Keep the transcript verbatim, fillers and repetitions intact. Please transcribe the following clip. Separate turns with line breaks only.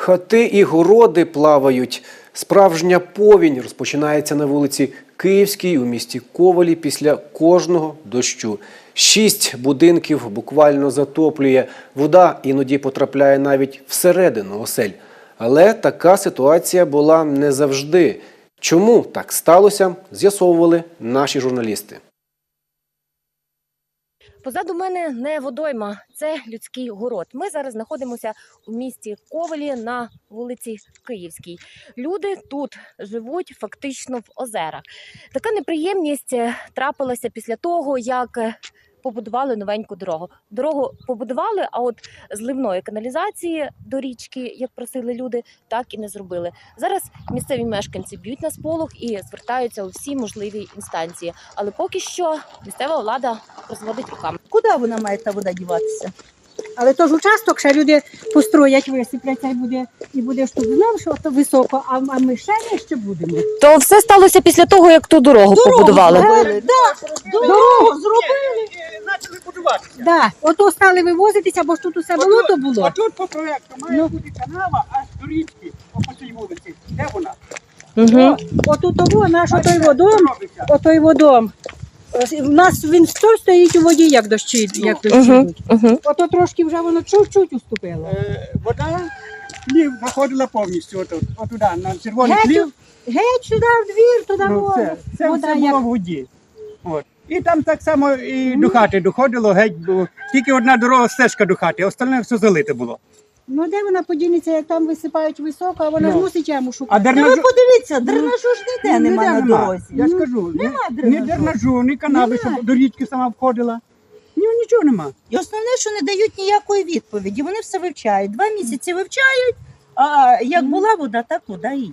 Хати і городи плавають. Справжня повінь розпочинається на вулиці Київській у місті Ковелі після кожного дощу. Шість будинків буквально затоплює. Вода іноді потрапляє навіть всередину осель. Але така ситуація була не завжди. Чому так сталося, з'ясовували наші журналісти.
Позаду мене не водойма, це людський город. Ми зараз знаходимося у місті Ковелі на вулиці Київській. Люди тут живуть фактично в озерах. Така неприємність трапилася після того, як побудували новеньку дорогу. Дорогу побудували, а от зливної каналізації до річки, як просили люди, так і не зробили. Зараз місцеві мешканці б'ють на сполох і звертаються у всі можливі інстанції. Але поки що місцева влада розводить руками.
Куди вона має та вода діватися?
Але то ж участок, ще люди построять, висипляться і буде, і буде штук. Знав, що то високо, а, а ми ще не ще будемо.
То все сталося після того, як ту дорогу, побудували?
Зробили. Да, дорогу зробили.
Почали будуватися.
Да. Ото стали вивозитися, бо ж тут усе болото було.
А тут по проєкту має
Ну.
бути канава аж до річки, по цій вулиці. Де вона?
Угу.
Отут того, наш отой
Бачите,
водом,
що робиться?
отой водом. У нас він стой стоїть у воді, як дощі, як дощі
Угу.
йдуть.
Угу.
Ото трошки вже воно чуть-чуть уступило.
Е, Вода плів заходила повністю отут, отуди, на червоний
Геть,
плів.
геть сюди в двір, туди
Ну,
вода.
це це
вода
все
як...
було в воді. От. І там так само і до хати доходило, геть було. Тільки одна дорога стежка до хати, а остальне все залите було.
Ну де вона подінеться, як там висипають високо, а вона
Ну.
ж мусить яму
А
шукати.
Та ви
дернажу,
подивіться, дренажу ж ніде
ніде
нема на
нема.
дорозі.
Я ж кажу, ні,
Нема
ні
дренажу.
дернажу, ні канави,
Нема.
щоб до річки сама входила. Ні, нічого нема.
І основне, що не дають ніякої відповіді. Вони все вивчають. Два місяці вивчають, а як була вода, так вода і є.